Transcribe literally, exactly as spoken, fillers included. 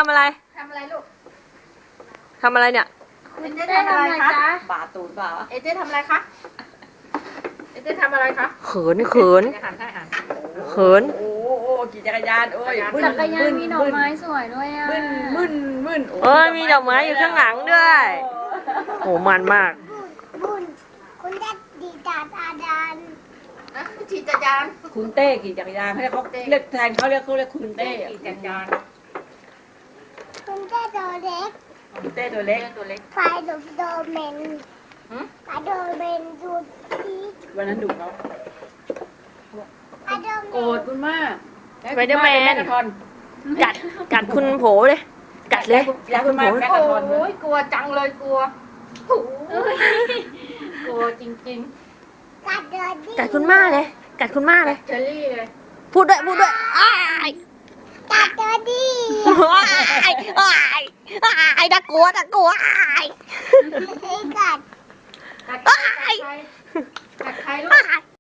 ำอะไรทำอะไรลูกทำอะไรเนี่ยเอเจ๊ทำอะไรคะบาตูนเปล่าเอเจ๊ทำอะไรคะเอเจ๊ทำอะไรคะเขินเขินอาหารให้อาหารเขินโอ้โหขี่จักรยานโอ้ยจักรยานมีดอกไม้สวยด้วยอ่ะมึนมึนมึนเอ้ยมีดอกไม้อยู่ข้างหลังด้วยโหมันมากบุญคุณได้ดีจาตาดันนะขี่จักรยานคุณเต้ขี่จักรยานให้เขาเรียกแทนเขาเรียกเขาเรียกคุณเต้ขี่จักรยานคุณได้โดเล็กคุณเต้ตัวเล็กตัวเล็กไฟดูโดเมนหืมไฟโดเมนดูดีวันนั้นดุเขาไฟโดเมโกรธนคุณมากไปเดอร์แมนกระทอนกัดกัดคุณโผเลยกัดเลยอยากคุณมากแม่กระทอนโอ้ยกลัวจังเลยกลัวโอ้ยกลัวจริงกัดโดดีกัดคุณม่าเลยกัดคุณม่าเลยๆเชอรี่เลยพูดด้วยพูดด้วยอ้ายกัดโดดีอ้ายอ้ายอ้ายน่ากลัวน่ากลัวอ้ายกัดกัดใครกัดใครกัดใครลูกอ้าย